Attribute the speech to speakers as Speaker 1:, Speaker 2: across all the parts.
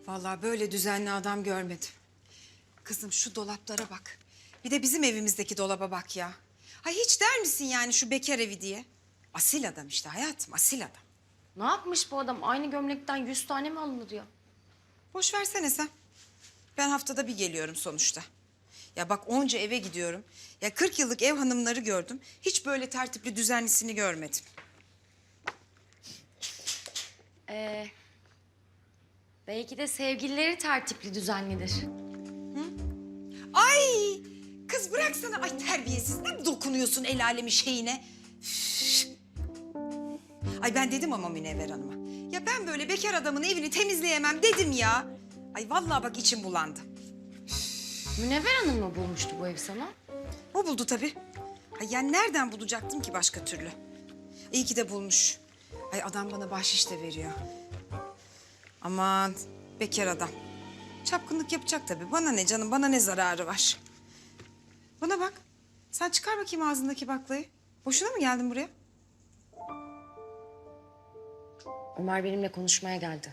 Speaker 1: Vallahi böyle düzenli adam görmedim. Kızım şu dolaplara bak. Bir de bizim evimizdeki dolaba bak ya. Ha hiç der misin yani şu bekar evi diye? Asil adam işte hayatım, asil adam.
Speaker 2: Ne yapmış bu adam? Aynı gömlekten 100 tane mi alınır ya?
Speaker 1: Boş versene sen. Ben haftada bir geliyorum sonuçta. Ya bak onca eve gidiyorum. Ya 40 yıllık ev hanımları gördüm. Hiç böyle tertipli düzenlisini görmedim.
Speaker 2: Belki de sevgilileri tertipli, düzenlidir.
Speaker 1: Ay kız bıraksana. Ay terbiyesiz. Ne dokunuyorsun el alemin şeyine? Üf. Ay ben dedim ama Münevver Hanım'a. Ya ben böyle bekar adamın evini temizleyemem dedim ya. Ay vallahi bak içim bulandı.
Speaker 2: Münevver Hanım mı bulmuştu bu evi sana?
Speaker 1: O buldu tabii. Ay yani nereden bulacaktım ki başka türlü? İyi ki de bulmuş. Ay adam bana bahşiş de veriyor. Aman bekar adam. Çapkınlık yapacak tabii. Bana ne canım, bana ne zararı var? Bana bak. Sen çıkar bakayım ağzındaki baklayı. Boşuna mı geldin buraya?
Speaker 2: Ömer benimle konuşmaya geldi.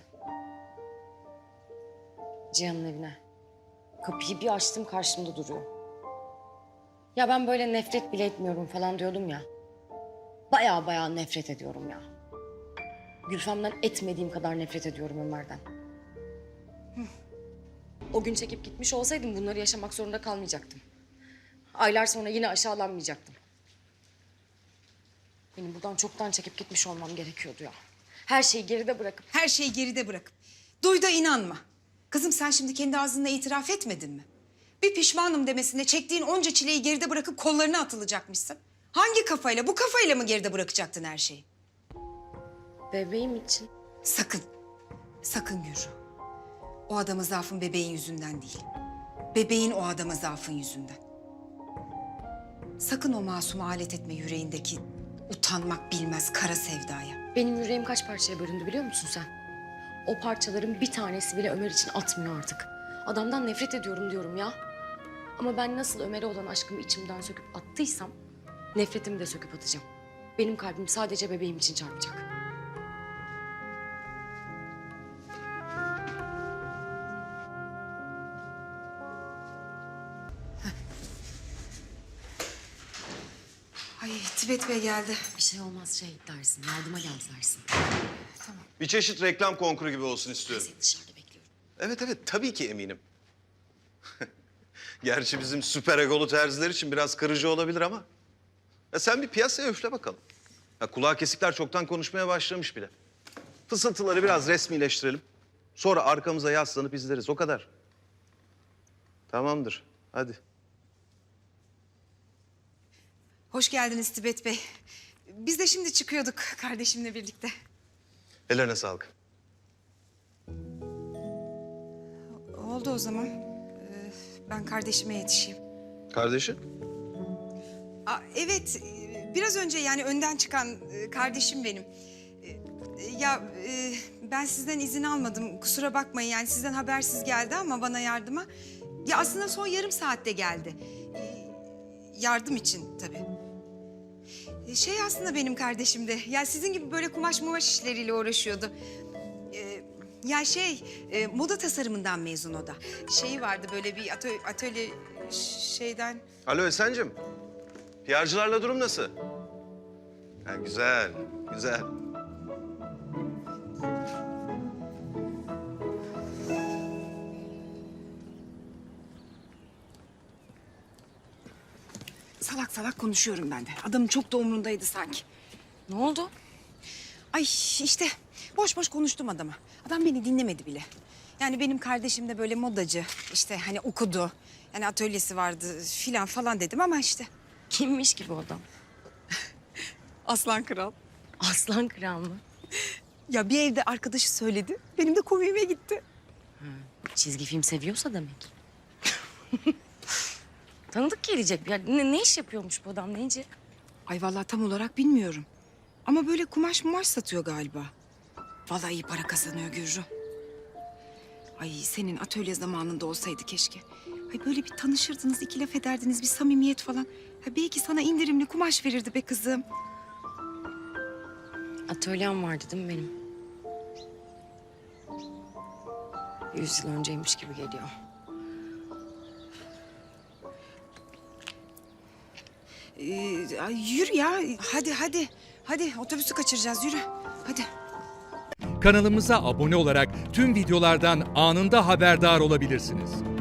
Speaker 2: Cihan'ın evine. Kapıyı bir açtım, karşımda duruyor. Ya ben böyle nefret bile etmiyorum falan diyordum ya. Baya nefret ediyorum ya. Gülfem'den etmediğim kadar nefret ediyorum Ömer'den. O gün çekip gitmiş olsaydım bunları yaşamak zorunda kalmayacaktım. Aylar sonra yine aşağılanmayacaktım. Benim buradan çoktan çekip gitmiş olmam gerekiyordu ya. Her şeyi geride bırakıp...
Speaker 1: Her şeyi geride bırakıp. Duy da inanma. Kızım sen şimdi kendi ağzınla itiraf etmedin mi? Bir pişmanım demesine çektiğin onca çileyi geride bırakıp kollarına atılacakmışsın. Hangi kafayla, bu kafayla mı geride bırakacaktın her şeyi?
Speaker 2: Bebeğim için.
Speaker 1: Sakın, sakın Gürru. O adama zaafın bebeğin yüzünden değil. Bebeğin o adama zaafın yüzünden. Sakın o masumu alet etme yüreğindeki utanmak bilmez kara sevdaya.
Speaker 2: Benim yüreğim kaç parçaya bölündü biliyor musun sen? O parçaların bir tanesi bile Ömer için atmıyor artık. Adamdan nefret ediyorum diyorum ya. Ama ben nasıl Ömer'e olan aşkımı içimden söküp attıysam... nefretimi de söküp atacağım. Benim kalbim sadece bebeğim için çarpacak.
Speaker 1: Ay Tibet Bey geldi.
Speaker 2: Bir şey olmaz şey dersin, yardıma gel dersin.
Speaker 3: Bir çeşit reklam konkuru gibi olsun istiyorum.
Speaker 2: Seni dışarıda bekliyorum.
Speaker 3: Evet, tabii ki eminim. Gerçi bizim süper egolu terziler için biraz kırıcı olabilir ama... Ya sen bir piyasaya üfle bakalım. Ya kulağı kesikler çoktan konuşmaya başlamış bile. Fısıltıları biraz resmileştirelim. Sonra arkamıza yaslanıp izleriz, o kadar. Tamamdır, hadi.
Speaker 1: Hoş geldiniz Tibet Bey. Biz de şimdi çıkıyorduk kardeşimle birlikte.
Speaker 3: Ellerine sağlık.
Speaker 1: Oldu o zaman. Ben kardeşime yetişeyim.
Speaker 3: Kardeşi?
Speaker 1: Evet, biraz önce yani önden çıkan kardeşim benim. Ben sizden izin almadım, kusura bakmayın. Yani sizden habersiz geldi ama bana yardıma. Ya aslında son yarım saatte geldi. Yardım için tabii. Aslında benim kardeşim de. Ya sizin gibi böyle kumaş mumaş işleriyle uğraşıyordu. Moda tasarımından mezun o da. Vardı böyle bir atölye şeyden...
Speaker 3: Alo Esen'cim. PR'cılarla durum nasıl? Ha, güzel, güzel.
Speaker 1: Salak salak konuşuyorum ben de. Adamın çok da umrundaydı sanki.
Speaker 2: Ne oldu?
Speaker 1: Ay işte boş boş konuştum adama. Adam beni dinlemedi bile. Yani benim kardeşim de böyle modacı. İşte hani okudu. Yani atölyesi vardı filan falan dedim ama işte.
Speaker 2: Kimmiş ki bu adam?
Speaker 1: Aslan kral.
Speaker 2: Aslan kral mı?
Speaker 1: Ya bir evde arkadaşı söyledi. Benim de komiğime gitti.
Speaker 2: Çizgi film seviyorsa demek. Tanıdık gelecek. Ya ne iş yapıyormuş bu adam neyce?
Speaker 1: Ay vallahi tam olarak bilmiyorum. Ama böyle kumaş mumaş satıyor galiba. Vallahi iyi para kazanıyor Gürru. Ay senin atölye zamanında olsaydı keşke. Ay böyle bir tanışırdınız, iki laf ederdiniz, bir samimiyet falan. Ha belki sana indirimli kumaş verirdi be kızım.
Speaker 2: Atölyem vardı değil mi benim? 100 yıl önceymiş gibi geliyor.
Speaker 1: Ay, yürü ya. Hadi. Hadi otobüsü kaçıracağız, yürü. Hadi.
Speaker 4: Kanalımıza abone olarak tüm videolardan anında haberdar olabilirsiniz.